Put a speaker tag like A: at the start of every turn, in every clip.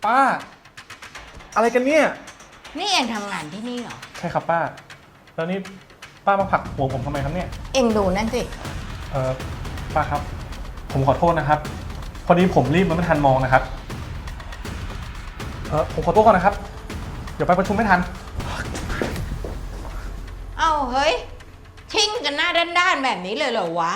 A: ป้าอะไรกันเนี่ย
B: นี่เองทำงานที่นี่เหรอ
A: ใช่ครับป้าแล้วนี่ป้ามาผลักหัวผมทำไมครับเนี่ย
B: เองดูนั่นสิ
A: ป้าครับผมขอโทษนะครับพอดีผมรีบมันไม่ทันมองนะครับผมขอโทษก่อนนะครับเดี๋ยวไปประชุมไม่ทัน
B: เอ้าเฮ้ยชิ่งกันหน้าด้านๆแบบนี้เลยเหรอวะ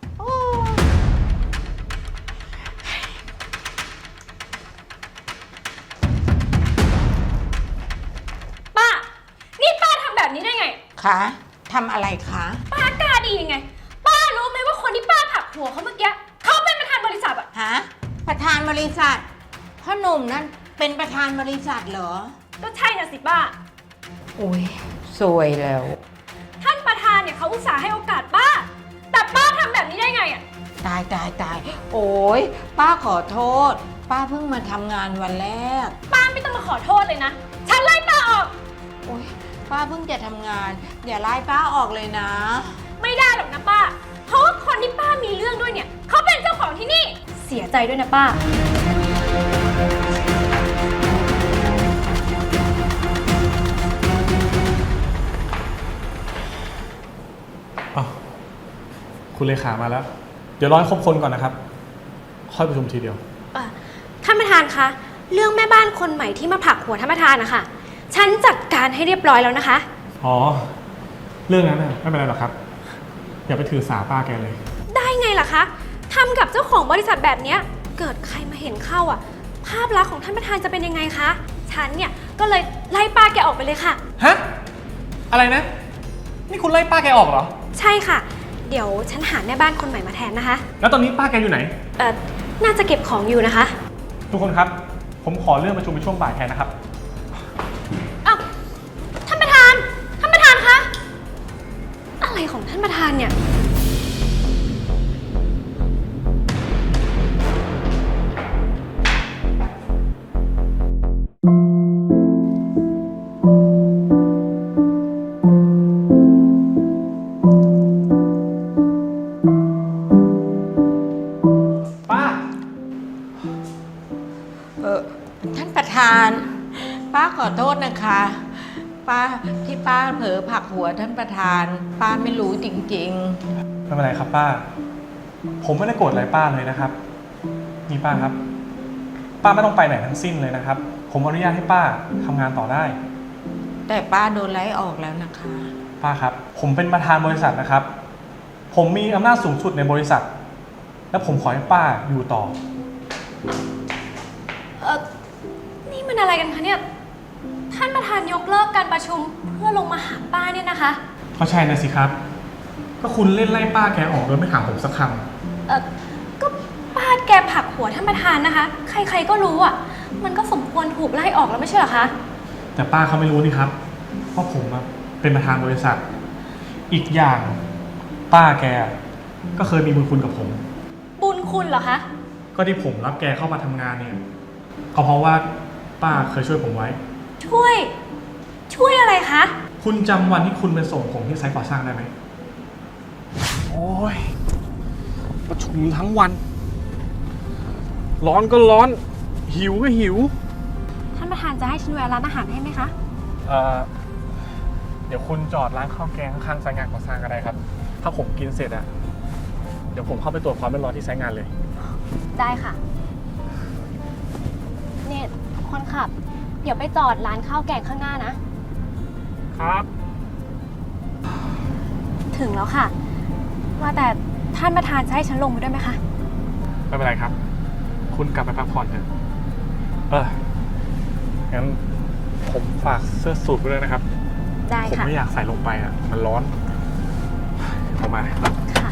C: ป้านี่ป้าทำแบบนี้ได้ไง
B: คะทำอะไรคะ
C: ป้ากล้าดียังไงป้ารู้ไหมว่าคนที่ป้าผลักหัวเขาเมื่อกี้เขาเป็นประธานบริษัทอะ
B: ฮะประธานบริษัทพ่อหนุ่มนั่นเป็นประธานบริษัทเหรอ
C: ก็ใช่น่ะสิป้า
B: อุ้ยสวยแล้ว
C: ท่านประธานเนี่ยเขาอุตส่าห์ให้โอกาสป้าแต่ป้าทำแบบนี้ได้ไงอะ
B: ตายโอ้ยป้าขอโทษป้าเพิ่งมาทำงานวันแรก
C: ป้าไม่ต้องมาขอโทษเลยนะฉันไล่ป้าออก
B: โอ้ยป้าเพิ่งจะทำงานอย่าไล่ป้าออกเลยนะ
C: ไม่ได้หรอกนะป้าเพราะว่าคนที่ป้ามีเรื่องด้วยเนี่ยเขาเป็นเจ้าของที่นี่เสียใจด้วยนะป้า
A: คุณเลขามาแล้วเดี๋ยวรอให้ครบคนก่อนนะครับค่อยประชุมทีเดียว
C: ท่านประธานคะเรื่องแม่บ้านคนใหม่ที่มาผลักหัวท่านประธานนะคะฉันจัดการให้เรียบร้อยแล้วนะคะ
A: อ๋อเรื่องนั้นไม่เป็นไรหรอกครับอย่าไปถือสาป้าแกเลย
C: ได้ไงล่ะคะทำกับเจ้าของบริษัทแบบนี้เกิดใครมาเห็นเข้าอ่ะภาพลักษณ์ของท่านประธานจะเป็นยังไงคะฉันเนี่ยก็เลยไล่ป้าแกออกไปเลยค่ะ
A: ฮะอะไรนะนี่คุณไล่ป้าแกออกเหรอ
C: ใช่ค่ะเดี๋ยวฉันหาแม่บ้านคนใหม่มาแทนนะคะ
A: แล้วตอนนี้ป้าแกอยู่ไหน
C: น่าจะเก็บของอยู่นะคะ
A: ทุกคนครับผมขอเลื่อนประชุมไปช่วงบ่ายแทนนะครับ
C: อ้าวท่านประธานคะอะไรของท่านประธานเนี่ย
B: ท่านประธานป้าขอโทษนะคะป้าเผลอผลักหัวท่านประธานป้าไม่รู้จริง
A: ๆไม่เป็นไรครับป้าผมไม่ได้โกรธอะไรป้าเลยนะครับนี่ป้าครับป้าไม่ต้องไปไหนทั้งสิ้นเลยนะครับผมอนุญาตให้ป้าทำงานต่อได้
B: แต่ป้าโดนไล่ออกแล้วนะคะ
A: ป้าครับผมเป็นประธานบริษัทนะครับผมมีอำนาจสูงสุดในบริษัทและผมขอให้ป้าอยู่ต่อ
C: นี่มันอะไรกันคะเนี่ยท่านประธานยกเลิกการประชุมเพื่อลงมาหาป้าเนี่ยนะคะ
A: ก็ใช่นะสิครับก็คุณเล่นไล่ป้าแกออกโดยไม่ถามผมสักค
C: ำก็ป้าแกผลักหัวท่านประธานนะคะใครๆก็รู้อ่ะมันก็สมควรถูกไล่ออกแล้วไม่ใช่เหรอคะ
A: แต่ป้าเขาไม่รู้นี่ครับเพราะผมเป็นประธานบริษัทอีกอย่างป้าแกก็เคยมีบุญคุณกับผม
C: บุญคุณเหรอคะ
A: ก็ที่ผมรับแกเข้ามาทำงานเนี่ยก็เพราะว่าป้าเคยช่วยผมไว้
C: ช่วยอะไรคะ
A: คุณจำวันที่คุณไปส่งผมที่ไซต์ก่อสร้างได้ไหมโอ้ยประชุมทั้งวันร้อนก็ร้อนหิวก็หิว
C: ท่านประธานจะให้ฉันแวะร้านอาหารให้ไหมคะ
A: เดี๋ยวคุณจอดร้านข้าวแกงข้างๆไซต์งานก่อสร้างก็ได้ครับถ้าผมกินเสร็จเดี๋ยวผมเข้าไปตรวจความเรียบร้อยที่ไซต์งานเลย
C: ได้ค่ะเนี่ยคนขับเดี๋ยวไปจอดร้านข้าวแกงข้างหน้านะครับถึงแล้วค่ะว่าแต่ท่านประธานจะให้ฉันลงไปด้วยไหมคะ
A: ไม่เป็นไรครับคุณกลับไปพักผ่อนเถอะงั้นผมฝากเสื้อสูทไปด้วยนะครับ
C: ได้ค่ะ
A: ผมไม่อยากใส่ลงไปมันร้อนเอามา
C: ค่ะ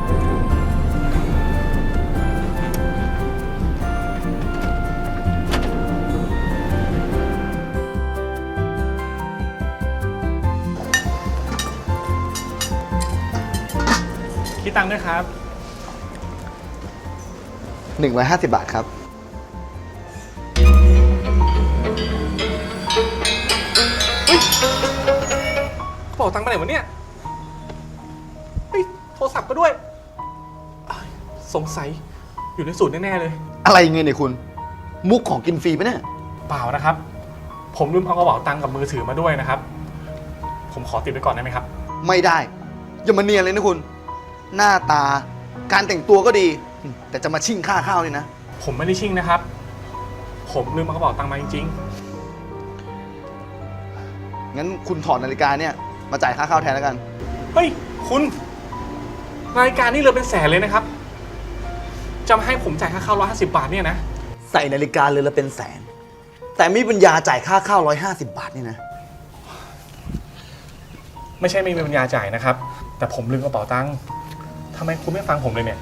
A: คิดตังค์ด้วยครับ
D: 150 บาทครับ
A: กระเป๋าตังค์ไปไหนวะเนี่ยโทรศัพท์ก็ด้วยสงสัยอยู่ในสูตรแน่ๆเลย
D: อะไรเงินเนี่ยคุณมุกของกินฟรีปะเนี่ย
A: เปล่านะครับ ผมลืมเอากระเป๋าตังค์กับมือถือมาด้วยนะครับ ผมขอติดไว้ก่อนได้ไหมครับ
D: ไม่ได้ อย่ามาเนียนเลยนะคุณ หน้าตา การแต่งตัวก็ดี แต่จะมาชิ่งค่าข้าวนี่นะ
A: ผมไม่ได้ชิ่งนะครับ ผมลืมเอากระเป๋าตังค์มาจริง
D: งั้นคุณถอดนาฬิกาเนี่ยมาจ่ายค่าข้าวแทนแล้วกัน
A: ๆ เฮ้ย คุณนาฬิกานี่เรือเป็นแสนเลยนะครับ จะมาให้ผมจ่ายค่าข้าว150 บาทเนี่ยนะ
D: ใส่นาฬิกาเรือนละเป็นแสน แต่ไม่มีปัญญาจ่ายค่าข้าว150 บาทนี่นะ
A: ไม่ใช่ไม่มีปัญญาจ่ายนะครับ แต่ผมลืมกระเป๋าตังค์ทำไมคุณไม่ฟังผมเลยเนี่ย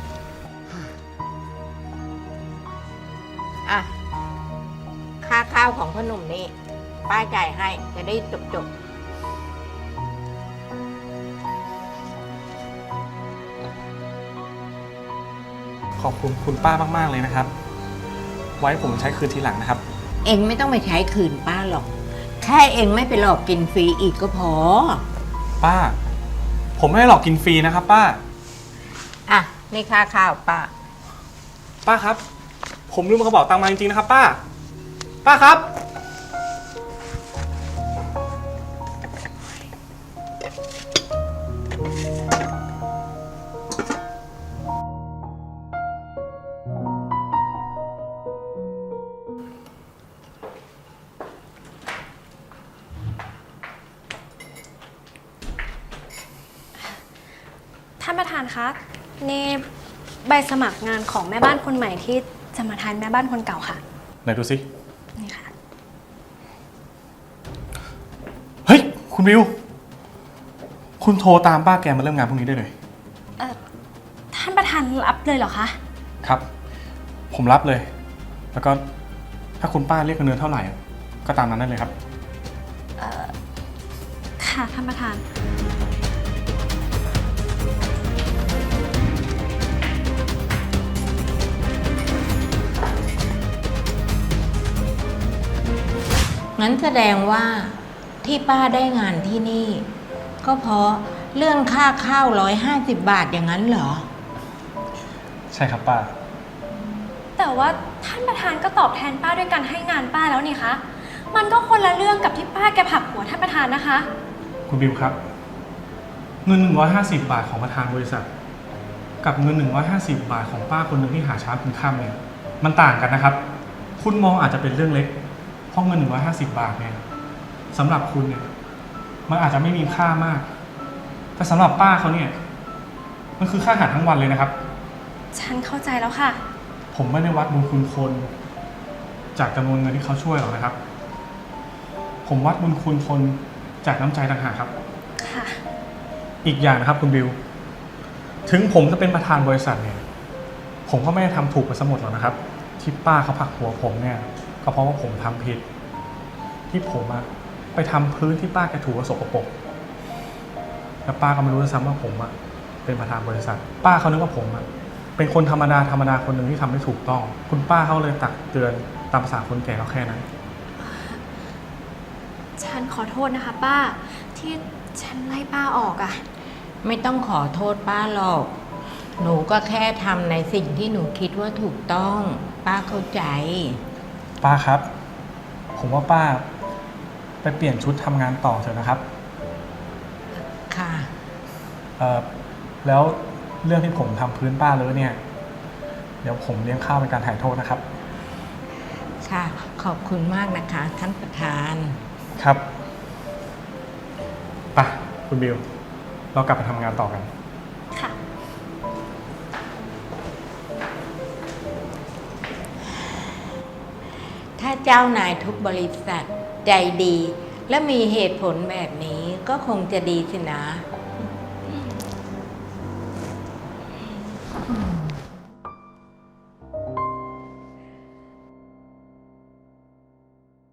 B: อ่ะ ค่าข้าวของพ่อหนุ่มนี่ป้าจ่ายให้จะได้จบ
A: ขอบคุณคุณป้ามากๆเลยนะครับ ไว้ผมใช้คืนทีหลังนะครับ
B: เองไม่ต้องไปใช้คืนป้าหรอก แค่เองไม่ไปหลอกกินฟรีอีกก็พอ
A: ป้า ผมไม่ได้หลอกกินฟรีนะครับ ป้า
B: อ่ะนี่ค่าข้าวป้า
A: ป้าครับ ผมลืมกระเป๋าตังค์มาจริงๆนะครับ ป้า ป้าครับ
C: ท่านประธานคะนี่ใบสมัครงานของแม่บ้านคนใหม่ที่จะมาแทนแม่บ้านคนเก่าค่ะ
A: ไหนดูสิ
C: นี่ค่ะ
A: เฮ้ย คุณวิว คุณโทรตามป้าแกมาเริ่มงานพรุ่งนี้ได้เลย
C: ท่านประธานรับเลยเหรอคะ
A: ครับ ผมรับเลย แล้วก็ถ้าคุณป้าเรียกเงินเดือนเท่าไหร่ ก็ตามนั้นได้เลยครับ
C: ค่ะท่านประธาน
B: งั้นแสดงว่าที่ป้าได้งานที่นี่ ก็เพราะเรื่องค่าข้าว150 บาทอย่างนั้นเหรอ
A: ใช่ครับป้า
C: แต่ว่าท่านประธานก็ตอบแทนป้าด้วยการให้งานป้าแล้วนี่คะ มันก็คนละเรื่องกับที่ป้าแกผลักหัวท่านประธานนะคะ
A: คุณบิวครับ เงิน150 บาทของประธานบริษัท กับเงิน150 บาทของป้าคนหนึ่งที่หาเช้ากินค่ำเนี่ยมันต่างกันนะครับ คุณมองอาจจะเป็นเรื่องเล็กเพราะเงิน150 บาทเนี่ยสำหรับคุณเนี่ยมันอาจจะไม่มีค่ามาก แต่สำหรับป้าเขาเนี่ยมันคือค่าอาหารทั้งวันเลยนะครับ
C: ฉันเข้าใจแล้วค่ะ
A: ผมไม่ได้วัดบุญคุณคนจากจำนวนเงินที่เขาช่วยหรอกนะครับ ผมวัดบุญคุณคนจากน้ำใจต่างหากครับ
C: ค่ะ
A: อีกอย่างนะครับคุณบิว ถึงผมจะเป็นประธานบริษัทเนี่ย ผมก็ไม่ได้ทำถูกไปซะหมดหรอกนะครับ ที่ป้าเขาผลักหัวผมเนี่ย ก็เพราะว่าผมทำผิด ที่ผมอะไปทำพื้นที่ป้าแกถูกสกปรกแล้วป้าก็ไม่รู้ด้วยซ้ำว่าผมอะเป็นประธานบริษัท ป้าเขานึกว่าผมอะเป็นคนธรรมดาคนหนึ่งที่ทำได้ถูกต้อง คุณป้าเขาเลยตักเตือนตามภาษาคนแก่ก็แค่นั้น
C: ฉันขอโทษนะคะ ป้าที่ฉันไล่ป้าออกอะ
B: ไม่ต้องขอโทษป้าหรอก หนูก็แค่ทำในสิ่งที่หนูคิดว่าถูกต้อง ป้าเข้าใจ
A: ป้าครับ ผมว่าป้าไปเปลี่ยนชุดทำงานต่อเถอะนะครับ
B: ค่ะ
A: แล้วเรื่องที่ผมทำพื้นป้าเลอะเนี่ย เดี๋ยวผมเลี้ยงข้าวเป็นการถ่ายโทษนะครับ
B: ค่ะ ขอบคุณมากนะคะ ท่านประธาน
A: ครับไปคุณบิว เรากลับไปทำงานต่อกัน
C: ค่ะ
B: ถ้าเจ้านายทุกบริษัทใจดี และมีเหตุผลแบบนี้ก็คงจะดีสินะ